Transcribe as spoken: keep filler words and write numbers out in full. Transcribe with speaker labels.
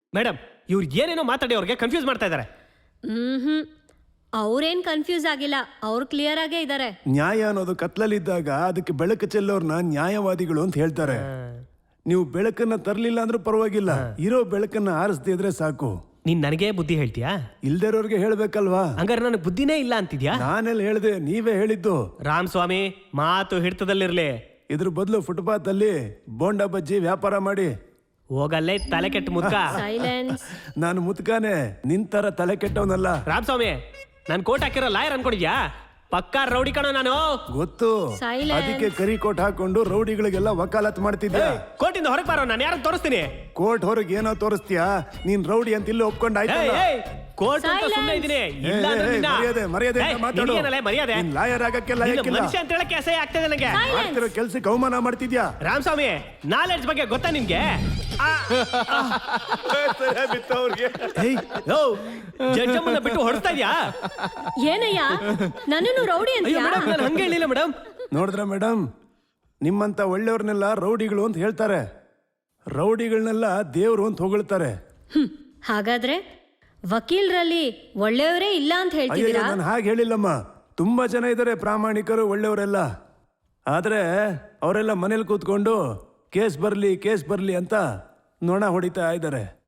Speaker 1: Madam ಇವ್ರು ಏನೇನೋ ಮಾತಾಡಿ ಅವ್ರಿಗೆ ಕನ್ಫ್ಯೂಸ್ ಮಾಡ್ತಾ ಇದ್ದಾರೆ.
Speaker 2: ಹ್ಮ್ ಅವ್ರೇನ್ ಕನ್ಫ್ಯೂಸ್ ಆಗಿಲ್ಲ, ಅವ್ರು ಕ್ಲಿಯರ್ ಆಗೇ ಇದ್ದಾರೆ.
Speaker 3: ನ್ಯಾಯ ಅನ್ನೋದು ಕತ್ಲಲ್ಲಿದ್ದಾಗ ಅದಕ್ಕೆ ಬೆಳಕು ಚೆಲ್ಲೋರ್ನ ನ್ಯಾಯವಾದಿಗಳು ಅಂತ ಹೇಳ್ತಾರೆ. ನೀವು ಬೆಳಕನ್ನ ತರಲಿಲ್ಲ ಅಂದ್ರೂ ಪರವಾಗಿಲ್ಲ, ಇರೋ ಬೆಳಕನ್ನ ಆರಿಸ್ದಿದ್ರೆ ಸಾಕು.
Speaker 1: ನೀನ್ ನನಗೆ ಬುದ್ಧಿ ಹೇಳ್ತೀಯಾ?
Speaker 3: ಇಲ್ದಿರೋರ್ಗೆ ಹೇಳ್ಬೇಕಲ್ವಾ?
Speaker 1: ಹಂಗಾರೆ ನನಗೆ ಬುದ್ಧಿನೇ ಇಲ್ಲ ಅಂತಿದ್ಯಾ?
Speaker 3: ನಾನೆಲ್ಲ ಹೇಳ್ದೆ, ನೀವೇ ಹೇಳಿದ್ದು.
Speaker 1: ರಾಮ್ ಸ್ವಾಮಿ ಮಾತು ಹಿಡ್ತದಲ್ಲಿರ್ಲಿ.
Speaker 3: ಇದ್ರ ಬದಲು ಫುಟ್ಪಾತ್ ಅಲ್ಲಿ ಬೋಂಡಾ ಬಜ್ಜಿ ವ್ಯಾಪಾರ ಮಾಡಿ.
Speaker 1: ಹೋಗಲ್ಲೇ ತಲೆ ಕೆಟ್ಟ ಮುದ್ಕ.
Speaker 2: ಸೈಲೆನ್ಸ್.
Speaker 3: ನಾನು ಮುತ್ಕಾನೆ, ನಿಂತರ ತಲೆ ಕೆಟ್ಟವನಲ್ಲ.
Speaker 1: ರಾಮ್ ಸ್ವಾಮಿ ನನ್ ಕೋಟ್ ಹಾಕಿರೋ ಲಾಯರ್ ಅನ್ಕೊಂಡಿದ್ಯಾ? ಪಕ್ಕಾ ರೌಡಿ ಕಣೋ ನಾನು.
Speaker 3: ಗೊತ್ತು,
Speaker 2: Silence.
Speaker 3: ಅದಕ್ಕೆ ಕರಿ ಕೋಟ್ ಹಾಕೊಂಡು ರೌಡಿಗಳಿಗೆಲ್ಲ ವಕಾಲತ್ ಮಾಡ್ತಿದ್ದೆ.
Speaker 1: ಕೋಟಿಂದ ಹೊರಗೆ ಬಾರೋ, ನಾನು ಯಾರು ತೋರಿಸ್ತೀನಿ.
Speaker 3: ಕೋರ್ಟ್ ಹೊರಗೆ ಏನೋ ತೋರಿಸ್ತೀಯಾ? ನೀನ್ ರೌಡಿ ಅಂತ ಇಲ್ಲಿ ಒಪ್ಕೊಂಡಾಯ್ತು.
Speaker 1: ಕೋರ್ಟ್ ಅಂತ ಸುಮ್ಮನೆ ಇದೀನಿ. ಇಲ್ಲ ಅಂದ್ರೆ ನಿನ್ನ-
Speaker 3: ಮರ್ಯಾದೆ ಮರ್ಯಾದೆ
Speaker 1: ಏಯ್,
Speaker 3: ಮಾತಾಡು.
Speaker 1: ನಿನಗೇನಲ್ಲ ಮರ್ಯಾದೆ?
Speaker 3: ಲಾಯರ್ ಆಗಕ್ಕೆ
Speaker 1: ನಿನ್ನ
Speaker 3: ಲಾಯಕ್ಕಿಲ್ಲ.
Speaker 1: ಮನುಷ್ಯ ಅಂತ ಹೇಳಕ್ಕೆ ಅಸಹ್ಯ ಆಗ್ತದೆ ನನಗೆ.
Speaker 3: ಮಾಡ್ತಿರೋ ಕೆಲ್ಸಕ್ಕೆ ಅವಮಾನ ಮಾಡ್ತಿದ್ಯಾ?
Speaker 1: ರಾಮ್ ಸ್ವಾಮಿ ನಾಲೆಡ್ಜ್ ಬಗ್ಗೆ ಗೊತ್ತಾ ನಿನ್ಗೆ? ಜಡ್ಜಮ್ಮನ್ನ ಬಿಟ್ಟು ಹೊಡ್ತಾ ಇದ್ಯಾ?
Speaker 2: ಏನಯ್ಯ ನನ್ನನ್ನು ರೌಡಿ
Speaker 1: ಅಯ್ಯೋ
Speaker 2: ಅಂತೀಯಾ?
Speaker 1: ಮೇಡಮ್ ನಾನು ಹಂಗೆ ಹೇಳಿಲ್ಲ ಮೇಡಮ್.
Speaker 3: ನೋಡಿದ್ರ ಮೇಡಮ್, ನಿಮ್ಮಂತ ಒಳ್ಳೆಯವ್ರನ್ನೆಲ್ಲ ರೌಡಿಗಳು ಅಂತ ಹೇಳ್ತಾರೆ, ರೌಡಿಗಳನ್ನೆಲ್ಲ ದೇವ್ರು ಅಂತ ಹೊಗಳ್ತಾರೆ.
Speaker 2: ಹ್ಮ್ ಹಾಗಾದ್ರೆ ವಕೀಲರಲ್ಲಿ ಒಳ್ಳೆಯವರೇ ಇಲ್ಲ ಅಂತ
Speaker 3: ಅಯ್ಯೋ,
Speaker 2: ಹೇಳ್ತಿದ್ದೀರಾ?
Speaker 3: ನಾನು ಹಾಗೆ ಹೇಳಿಲ್ಲಮ್ಮ. ತುಂಬಾ ಜನ ಇದ್ದಾರೆ ಪ್ರಾಮಾಣಿಕರು, ಒಳ್ಳೆಯವರೆಲ್ಲ. ಆದ್ರೆ ಅವರೆಲ್ಲ ಮನೇಲಿ ಕೂತ್ಕೊಂಡು ಕೇಸ್ ಬರ್ಲಿ ಕೇಸ್ ಬರ್ಲಿ ಅಂತ ನೊಣ ಹೊಡಿತಾ ಇದ್ದಾರೆ.